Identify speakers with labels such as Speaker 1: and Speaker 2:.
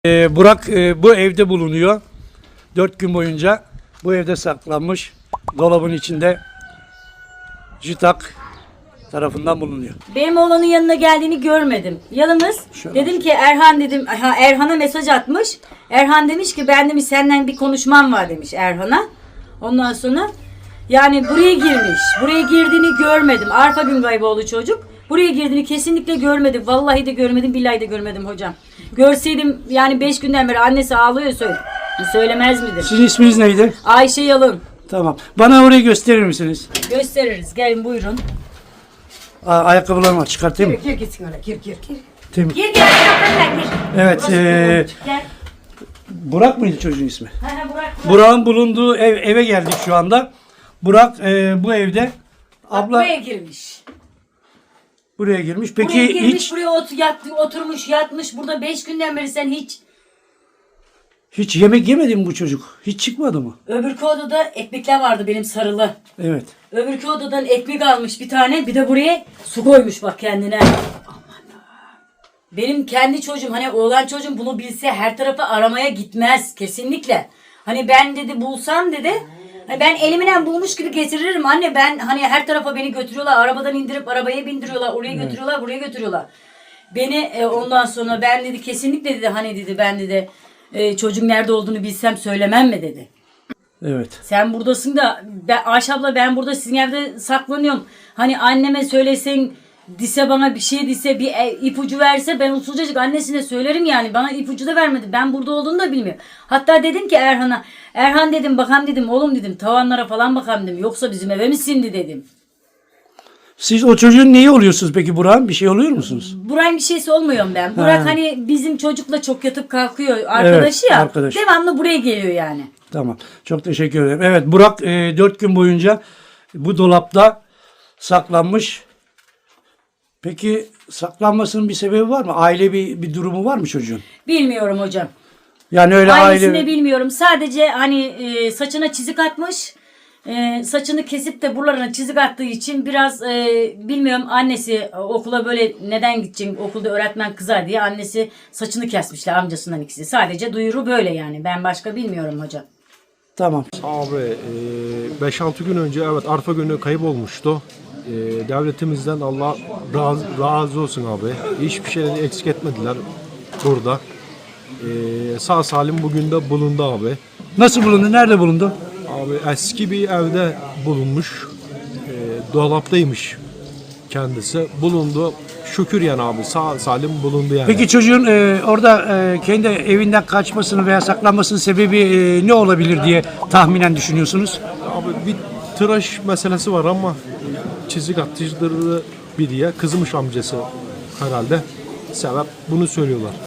Speaker 1: Burak bu evde bulunuyor. 4 gün boyunca bu evde saklanmış. Dolabın içinde JİTAK tarafından bulunuyor.
Speaker 2: Benim oğlanın yanına geldiğini görmedim. Yalnız dedim ki Erhan dedim. Erhan'a mesaj atmış. Erhan demiş ki ben demiş senden bir konuşmam var demiş Erhan'a. Ondan sonra yani buraya girmiş. Buraya girdiğini görmedim. Arpa Güngayboğlu çocuk. Buraya girdiğini kesinlikle görmedim. Vallahi de görmedim, billahi de görmedim hocam. Görseydim yani 5 günden beri annesi ağlıyor söylemez midir?
Speaker 1: Sizin isminiz neydi?
Speaker 2: Ayşe Yalın.
Speaker 1: Tamam. Bana orayı gösterir misiniz?
Speaker 2: Gösteririz. Gelin buyurun.
Speaker 1: Ayakkabılarımı çıkartayım mı?
Speaker 2: Gir gitsin öyle. Gir.
Speaker 1: Temiz.
Speaker 2: Gir.
Speaker 1: Evet.
Speaker 2: Gel.
Speaker 1: Burak mıydı çocuğun ismi?
Speaker 2: Burak.
Speaker 1: Burak'ın bulunduğu eve geldik şu anda. Burak bu evde. Abla
Speaker 2: Buraya girmiş.
Speaker 1: buraya girmiş. Peki
Speaker 2: Buraya girmiş,
Speaker 1: hiç
Speaker 2: buraya oturmuş, yatmış. Burada 5 günden beri sen
Speaker 1: hiç yemek yemedi mi bu çocuk? Hiç çıkmadı mı?
Speaker 2: öbürkü odada ekmekler vardı benim sarılı.
Speaker 1: Evet.
Speaker 2: Öbürkü odadan ekmek almış bir tane. Bir de buraya su koymuş bak kendine. Benim kendi çocuğum hani oğlan çocuğum bunu bilse her tarafa aramaya gitmez kesinlikle. Hani ben dedi bulsam dedi. Hani ben elimden bulmuş gibi getiririm anne, ben hani her tarafa beni götürüyorlar, arabadan indirip arabaya bindiriyorlar, oraya götürüyorlar, buraya götürüyorlar. Beni ondan sonra ben dedi kesinlikle dedi hani dedi ben dedi çocuğum nerede olduğunu bilsem söylemem mi dedi.
Speaker 1: Evet.
Speaker 2: Sen buradasın da Ayşe abla ben burada sizin evde saklanıyorum. Hani anneme söylesen dise bana bir şey dise bir ipucu verse ben usulcacık annesine söylerim yani. Bana ipucu da vermedi. Ben burada olduğunu da bilmiyorum. Hatta dedim ki Erhan'a, Erhan dedim bakam dedim oğlum dedim tavanlara falan bakam dedim. Yoksa bizim eve mi sindi dedim.
Speaker 1: Siz o çocuğun neyi oluyorsunuz peki Burak'ın? Bir şey oluyor musunuz?
Speaker 2: Burak'ın bir şeysi olmuyorum ben. Burak hani bizim çocukla çok yatıp kalkıyor arkadaşı ya.
Speaker 1: Arkadaş.
Speaker 2: Devamlı buraya geliyor yani.
Speaker 1: Tamam. Çok teşekkür ederim. Evet Burak 4 gün boyunca bu dolapta saklanmış. Peki saklanmasının bir sebebi var mı? Aile bir durumu var mı çocuğun?
Speaker 2: Bilmiyorum hocam.
Speaker 1: Yani öyle
Speaker 2: Ailesini
Speaker 1: aile...
Speaker 2: bilmiyorum. Sadece hani saçına çizik atmış. Saçını kesip de buralarına çizik attığı için biraz bilmiyorum annesi okula böyle neden gideceksin okulda öğretmen kızar diye annesi saçını kesmişler amcasından ikisi. Sadece duyuru böyle yani. Ben başka bilmiyorum hocam.
Speaker 1: Tamam.
Speaker 3: Abi 5-6 gün önce evet Arpa günü kayıp olmuştu. Devletimizden Allah razı olsun abi. Hiçbir şeyleri eksik etmediler burada. Sağ salim bugün de bulundu abi.
Speaker 1: Nasıl bulundu? Nerede bulundu?
Speaker 3: Abi eski bir evde bulunmuş. Dolaptaymış kendisi. Bulundu. Şükür yani abi sağ salim bulundu yani.
Speaker 1: Peki çocuğun orada kendi evinden kaçmasının veya saklanmasının sebebi ne olabilir diye tahminen düşünüyorsunuz?
Speaker 3: Abi bir tıraş meselesi var ama çizik atıcıları bir diye kızmış amcası herhalde. Sebep bunu söylüyorlar.